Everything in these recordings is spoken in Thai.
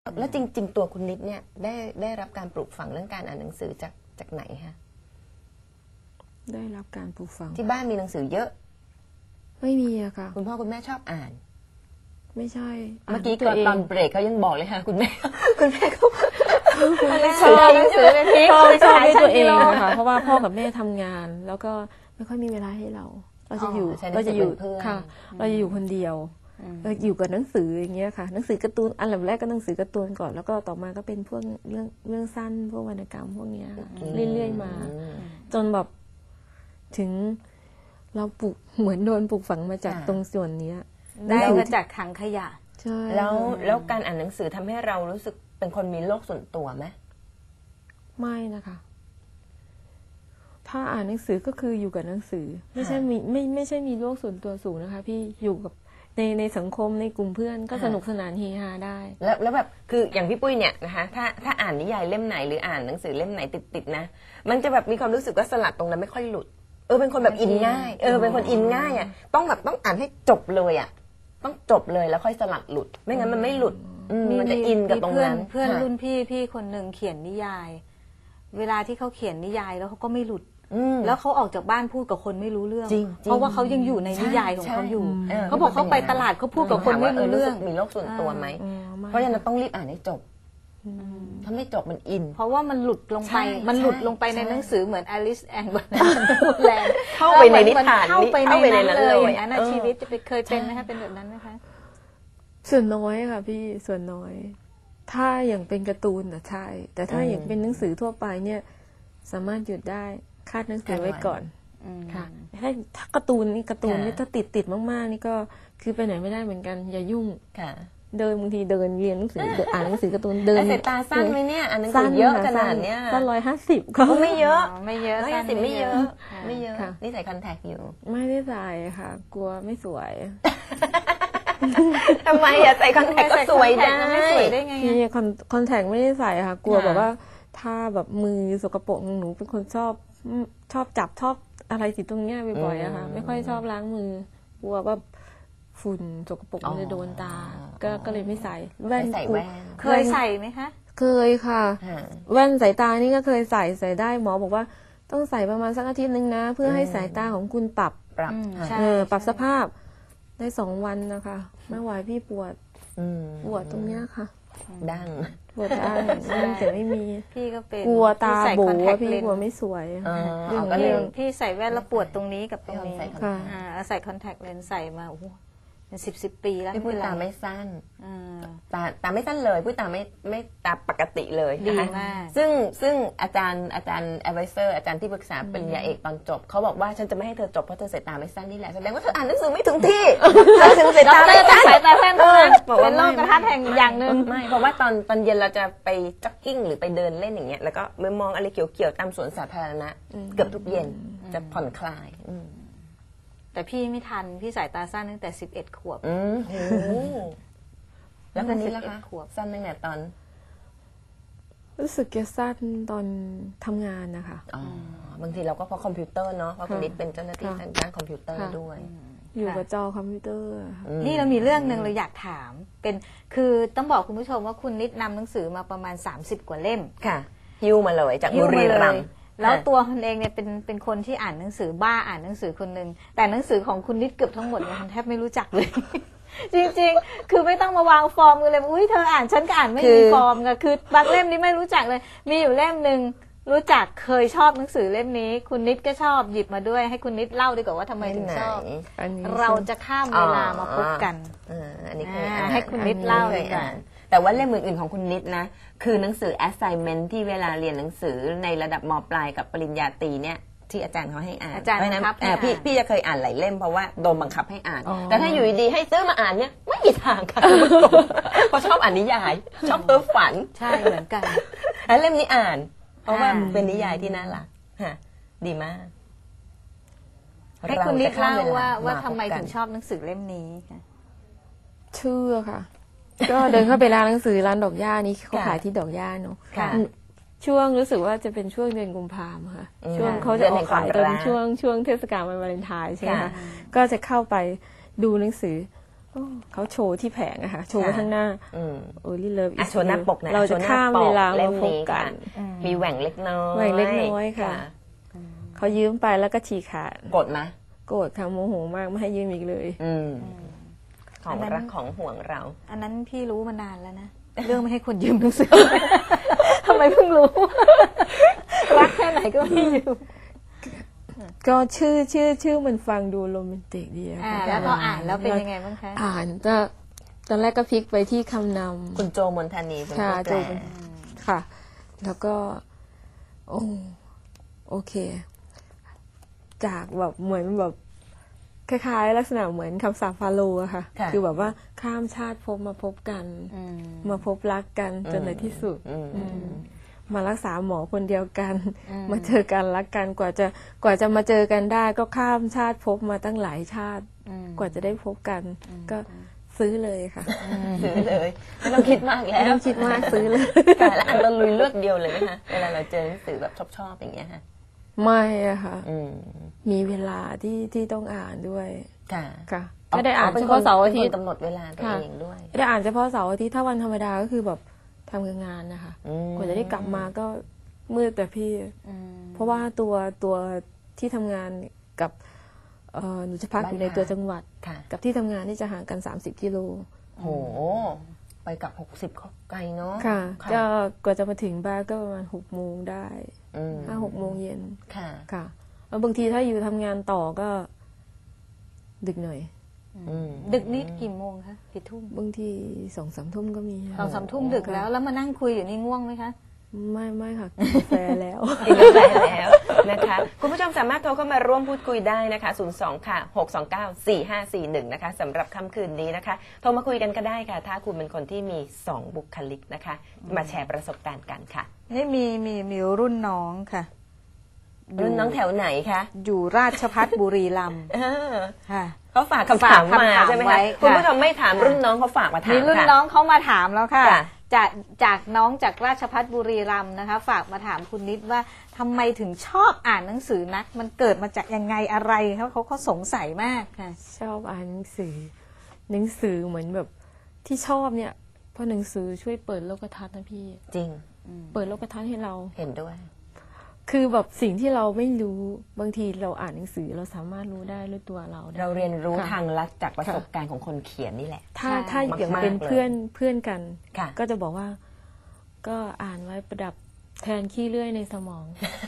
แล้วจริงๆตัวคุณนิดเนี่ยได้รับการปลูกฝังเรื่องการอ่านหนังสือจากไหนคะได้รับการปลูกฝังที่บ้านมีหนังสือเยอะไม่มีอะค่ะคุณพ่อคุณแม่ชอบอ่านไม่ใช่เมื่อกี้ตอนเบรกเขายังบอกเลยค่ะคุณแม่เขาชอบหนังสือเป็นพิชอบด้วยตัวเองนะคะเพราะว่าพ่อกับแม่ทำงานแล้วก็ไม่ค่อยมีเวลาให้เราจะอยู่ค่ะเราจะอยู่คนเดียวอยู่กับหนังสืออย่างเงี้ยค่ะหนังสือการ์ตูนอันดับแรกก็หนังสือการ์ตูนก่อนแล้วก็ต่อมาก็เป็นพวกเรื่องสั้นพวกวรรณกรรมพวกเนี้ยเรื่อยๆมาจนแบบถึงเราปลูกเหมือนโดนปลูกฝังมาจากตรงส่วนนี้ได้มาจากถังขยะใช่แล้วการอ่านหนังสือทำให้เรารู้สึกเป็นคนมีโลกส่วนตัวไหมไม่นะคะถ้าอ่านหนังสือก็คืออยู่กับหนังสือไม่ใช่มีโลกส่วนตัวสูงนะคะพี่อยู่กับในสังคมในกลุ่มเพื่อนก็สนุกสนานเฮฮาได้แล้วแบบคืออย่างพี่ปุ้ยเนี่ยนะคะถ้าอ่านนิยายเล่มไหนหรืออ่านหนังสือเล่มไหนติดนะมันจะแบบมีความรู้สึกว่าสลัดตรงนั้นไม่ค่อยหลุดเป็นคนแบบอินง่ายเป็นคนอินง่ายอ่ะต้องอ่านให้จบเลยอ่ะต้องจบเลยแล้วค่อยสลัดหลุดไม่งั้นมันไม่หลุดมันจะอินกับตรงนั้นเพื่อนรุ่นพี่คนหนึ่งเขียนนิยายเวลาที่เขาเขียนนิยายแล้วเขาก็ไม่หลุดแล้วเขาออกจากบ้านพูดกับคนไม่รู้เรื่องเพราะว่าเขายังอยู่ในนิยายของเขาอยู่เขาบอกเขาไปตลาดเขาพูดกับคนไม่รู้เรื่องมีโลกส่วนตัวไหมเพราะฉะนั้นต้องรีบอ่านให้จบถ้าไม่จบมันอินเพราะว่ามันหลุดลงไปในหนังสือเหมือน Alice and Wonderland เข้าไปในนิทานเข้าไปในนั้นเลยอย่างนั้นชีวิตจะเคยเป็นไหมคะเป็นแบบนั้นไหมคะส่วนน้อยค่ะพี่ส่วนน้อยถ้าอย่างเป็นการ์ตูนน่ะใช่แต่ถ้าอย่างเป็นหนังสือทั่วไปเนี่ยสามารถหยุดได้คาดหนังสือไว้ก่อนค่ะถ้าการ์ตูนนี่ถ้าติดมากๆนี่ก็คือไปไหนไม่ได้เหมือนกันอย่ายุ่งเดินบางทีเดินเรียนหนังสืออ่านหนังสือการ์ตูนเดินสายตาสั้นไหมเนี่ยอ่านหนังสือเยอะขนาดเนี้ยสั้น150ก็ไม่เยอะ 150 ไม่เยอะนี่ใส่คอนแทคอยู่ไม่ได้ใส่ค่ะกลัวไม่สวยทำไมอะใส่คอนแทคก็สวยได้ไม่สวยได้ไงนี่คอนแทคไม่ได้ใส่ค่ะกลัวแบบว่าถ้าแบบมือสกปรกหนูเป็นคนชอบจับชอบอะไรติดตรงเนี้ยบ่อยๆอะค่ะไม่ค่อยชอบล้างมือกลัวว่าฝุ่นสกปรกมันจะโดนตาก็เลยไม่ใส่แว่นเคยใส่ไหมคะเคยค่ะแว่นสายตานี่ก็เคยใส่ได้หมอบอกว่าต้องใส่ประมาณสักอาทิตย์นึงนะเพื่อให้สายตาของคุณปรับสภาพได้2 วันนะคะไม่ไหวพี่ปวดตรงเนี้ยค่ะดั้งปวดดั้งแต่ไม่มีพี่ก็เป็นกลัวตาโบพี่กลัวไม่สวยพี่ใส่แว่นแล้วปวดตรงนี้กับตรงนี้ใส่คอนแทคเลนส์ใส่มาโอ้โห10 ปีแล้วพี่พูดตาไม่สั้นตาไม่สั้นเลยพูดตาไม่ตาปกติเลยดีมากซึ่งอาจารย์advisor อาจารย์ที่ปรึกษาปริญญาเอกตอนจบเขาบอกว่าฉันจะไม่ให้เธอจบเพราะเธอสายตาไม่สั้นนี่แหละแสดงว่าเธออ่านหนังสือไม่ถึงที่เธอถึงสายตาไม่สั้นสายตาสั้นเป็นโรคกระทัดแห่งอย่างหนึ่งไม่เพราะว่าตอนเย็นเราจะไปจ็อกกิ้งหรือไปเดินเล่นอย่างเงี้ยแล้วก็มองอะไรเขียวๆตามสวนสาธารณะเกือบทุกเย็นจะผ่อนคลายแต่พี่ไม่ทันพี่สายตาสั้นตั้งแต่11 ขวบแล้วคนนี้ล่ะคะสั้นตั้งแต่ตอนรู้สึกจะสั้นตอนทำงานนะคะบางทีเราก็เพราะคอมพิวเตอร์เนาะเพราะคนนี้เป็นเจ้าหน้าที่ทางด้านคอมพิวเตอร์ด้วยอยู่กับจอคอมพิวเตอร์นี่เรามีเรื่องนึงเราอยากถามคือต้องบอกคุณผู้ชมว่าคุณนิดนำหนังสือมาประมาณ30 กว่าเล่มค่ะฮิ้วมาเลยจากบุรีรัมย์แล้วตัวคนเองเนี่ยเป็นคนที่อ่านหนังสือบ้าอ่านหนังสือคนหนึ่งแต่หนังสือของคุณนิดเกือบทั้งหมดเนี่ยแทบไม่รู้จักเลย จริงๆคือไม่ต้องมาวางฟอร์มกันเลยอุ้ยเธออ่านฉันก็อ่านไม่มีฟอร์มค่ะคือบางเล่มนี้ไม่รู้จักเลยมีอยู่เล่มนึงรู้จักเคยชอบหนังสือเล่มนี้คุณนิดก็ชอบหยิบมาด้วยให้คุณนิดเล่าดีกว่าว่าทำไมถึงชอบเราจะข้ามเวลามาพบกันให้คุณนิดเล่าเลยกันแต่ว่าเล่มอื่นๆของคุณนิดนะคือหนังสือ assignment ที่เวลาเรียนหนังสือในระดับม.ปลายกับปริญญาตรีเนี่ยที่อาจารย์เขาให้อ่านเพราะฉะนั้นพี่จะเคยอ่านหลายเล่มเพราะว่าโดนบังคับให้อ่านแต่ถ้าอยู่ดีๆให้ซื้อมาอ่านเนี่ยไม่มีทางค่ะเพราะชอบอ่านนิยายชอบเพ้อฝันใช่เหมือนกันแล้วเล่มนี้อ่านเพราะว่าเป็นนิยายที่น่ารักดีมากให้คุณนิดเล่าว่าทำไมถึงชอบหนังสือเล่มนี้ชื่อค่ะก็เดินเข้าไปร้านหนังสือร้านดอกหญ้านี้เขาขายที่ดอกหญ้าเนาะช่วงรู้สึกว่าจะเป็นช่วงเดือนกุมภาพันธ์ค่ะช่วงเขาจะออกขายตอนช่วงเทศกาลวันวาเลนไทน์ใช่ไหมคะก็จะเข้าไปดูหนังสือเขาโชว์ที่แผงอะค่ะโชว์ไว้ข้างหน้า Only Love อ่ะ Is โชว์หน้าปกนะเราจะข้ามเวลามาพบกันมีแหว่งเล็กน้อยแหว่งเล็กน้อยค่ะเขายืมไปแล้วก็ฉีกขาดโกรธไหมโกรธค่ะโมโหมากไม่ให้ยืมอีกเลยของรักของห่วงเราอันนั้นพี่รู้มานานแล้วนะ เรื่องไม่ให้คนยืมหนังสือ ทำไมเพิ่งรู้ รักแค่ไหนก็ไม่ยืมก็ชื่อมันฟังดูโรแมนติกดีอะค่ะแล้วพออ่านแล้วเป็นยังไงบ้างคะอ่านก็ตอนแรกก็พลิกไปที่คำนำคุณโจมนทานีเป็นค่ะผู้แปโจลเป็นค่ะ แล้วก็โอเค จากแบบเหมือนแบบคล้ายๆลักษณะเหมือนคำสาปฟาโรห์อะค่ะ คือแบบว่าข้ามชาติภพมาพบกันมาพบรักกันจนในที่สุดมารักษาหมอคนเดียวกันมาเจอกันรักกันกว่าจะมาเจอกันได้ก็ข้ามชาติภพมาตั้งหลายชาติกว่าจะได้พบกัน ก็ซื้อเลยค่ะซื้อเลยไม่ต้องคิดมากแล้วไม่ต้องคิดมากซื้อเลยค่ะแล้วอ่านเราลุยเลือกเดียวเลยไหมคะเวลาเราเจอหนังสือแบบชอบอย่างเงี้ยค่ะไม่อะค่ะมีเวลาที่ต้องอ่านด้วยค่ะค่ะไม่ได้อ่านเฉพาะเสาร์อาทิตย์กำหนดเวลาตัวเองด้วยไม่ได้อ่านเฉพาะเสาร์อาทิตย์ถ้าวันธรรมดาก็คือแบบทำงานนะคะกว่าจะได้กลับมาก็มืดแต่พี่เพราะว่าตัวที่ทำงานกับหนูจะพักอยู่ในตัวจังหวัดกับที่ทำงานที่จะห่างกัน30 กิโลโหไปกลับ60ก็ไกลเนาะค่ะก็กว่าจะมาถึงบ้านก็ประมาณ6 โมงได้5-6 โมงเย็นค่ะแล้วบางทีถ้าอยู่ทำงานต่อก็ดึกหน่อยดึกนิดกี่โมงคะกี่ทุ่มบางที2-3 ทุ่มก็มี 2-3 ทุ่มดึกแล้วมานั่งคุยอยู่นี่ง่วงไหมคะไม่ค่ะกินกาแฟแล้วกินกาแฟแล้วนะคะคุณผู้ชมสามารถโทรเข้ามาร่วมพูดคุยได้นะคะ02ค่ะ6294541นะคะสำหรับค่ำคืนนี้นะคะโทรมาคุยกันก็ได้ค่ะถ้าคุณเป็นคนที่มี2 บุคลิกนะคะมาแชร์ประสบการณ์กันค่ะนี่มีรุ่นน้องค่ะรุ่นน้องแถวไหนคะอยู่ราชภัฏบุรีรัมย์ค่ะเขาฝากคำถามมาใช่ไหมคะคุณผู้ชมไม่ถามรุ่นน้องเขาฝากมาถามมีรุ่นน้องเขามาถามแล้วค่ะจากน้องจากราชภัฏบุรีรัมย์นะคะฝากมาถามคุณนิดว่าทำไมถึงชอบอ่านหนังสือนักมันเกิดมาจากยังไงอะไรเขาสงสัยมากค่ะชอบอ่านหนังสือเหมือนแบบที่ชอบเนี่ยเพราะหนังสือช่วยเปิดโลกทัศน์นะพี่จริงเปิดโลกทัศน์ให้เราเห็นด้วยคือแบบสิ่งที่เราไม่รู้บางทีเราอ่านหนังสือเราสามารถรู้ได้ด้วยตัวเราเรียนรู้ทางลัดจากประสบการณ์ของคนเขียนนี่แหละถ้าอย่างเป็นเพื่อนกันก็จะบอกว่าก็อ่านไว้ประดับแทนขี้เลื่อยในสมอง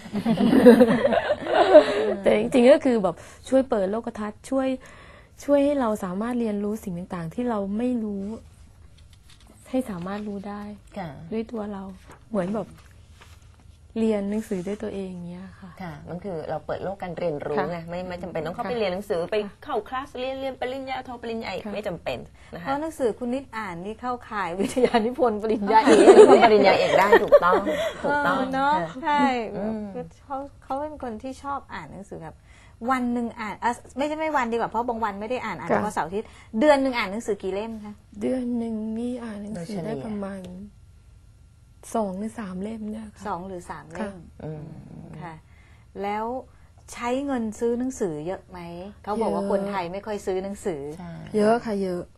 แต่จริงๆก็คือแบบช่วยเปิดโลกทัศน์ช่วยให้เราสามารถเรียนรู้สิ่งต่างๆที่เราไม่รู้ให้สามารถรู้ได้ด้วยตัวเราเหมือนแบบเรียนหนังสือด้วยตัวเองเนี้ยค่ะค่ะมันคือเราเปิดโลกการเรียนรู้ไงไม่จำเป็นต้องเข้าไปเรียนหนังสือไปเข้าคลาสเรียนปริญญาโทปริญญาเอกไม่จำเป็นนะคะเพราะหนังสือคุณนิดอ่านนี่เข้าข่ายวิทยานิพนธ์ปริญญาเอกปริญญาเอกได้ถูกต้องเนาะใช่เขาเป็นคนที่ชอบอ่านหนังสือแบบวันหนึ่งอ่านไม่วันดีกว่าเพราะบางวันไม่ได้อ่านเฉพาะเสาร์อาทิตย์เดือนหนึ่งอ่านหนังสือกี่เล่มคะเดือนหนึ่งนี่อ่านหนังสือได้ประมาณ2 หรือ 3 เล่มเนี่ยค่ะ 2 หรือ 3 เล่มค่ะแล้วใช้เงินซื้อหนังสือเยอะไหมเขาบอกว่าคนไทยไม่ค่อยซื้อหนังสือเยอะค่ะเยอะ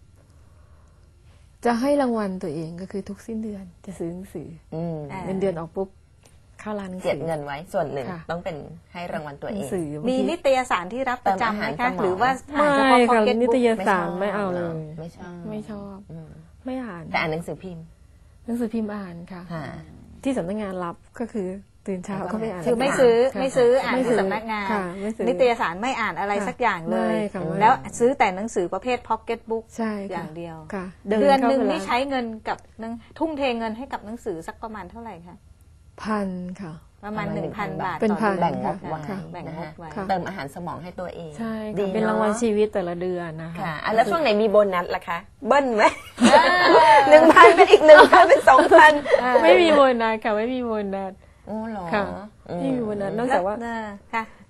จะให้รางวัลตัวเองก็คือทุกสิ้นเดือนจะซื้อหนังสือเงินเดือนออกปุ๊บเข้าร้านหนังสือเก็บเงินไว้ส่วนหนึ่งต้องเป็นให้รางวัลตัวเองมีนิตยสารที่รับประจำไหมคะหรือว่าไม่ค่ะนิตยสารไม่เอาเลยไม่ชอบไม่อ่านแต่อ่านหนังสือพิมพ์หนังสือพิมพ์อ่านค่ะที่สำนักงานรับก็คือตื่นเช้าก็ไปอ่านคือไม่ซื้ออ่านที่สำนักงานนิตยสารไม่อ่านอะไรสักอย่างเลยแล้วซื้อแต่หนังสือประเภทพ็อกเก็ตบุ๊กอย่างเดียวเดือนหนึ่งนี่ใช้เงินกับทุ่มเทเงินให้กับหนังสือสักประมาณเท่าไหร่คะ 1,000ค่ะประมาณ 1,000 บาทเป็นพันแบ่งงบไว้เติมอาหารสมองให้ตัวเองใช่เป็นรางวัลชีวิตแต่ละเดือนนะคะแล้วช่วงไหนมีโบนัสล่ะคะเบิ้ลไหม1,000เป็นอีก1,000เป็น2,000 ไม่มีโบนัสค่ะไม่มีโบนัสโอ้หรอค่ะไม่มีโบนัสนอกจากว่าค่ะ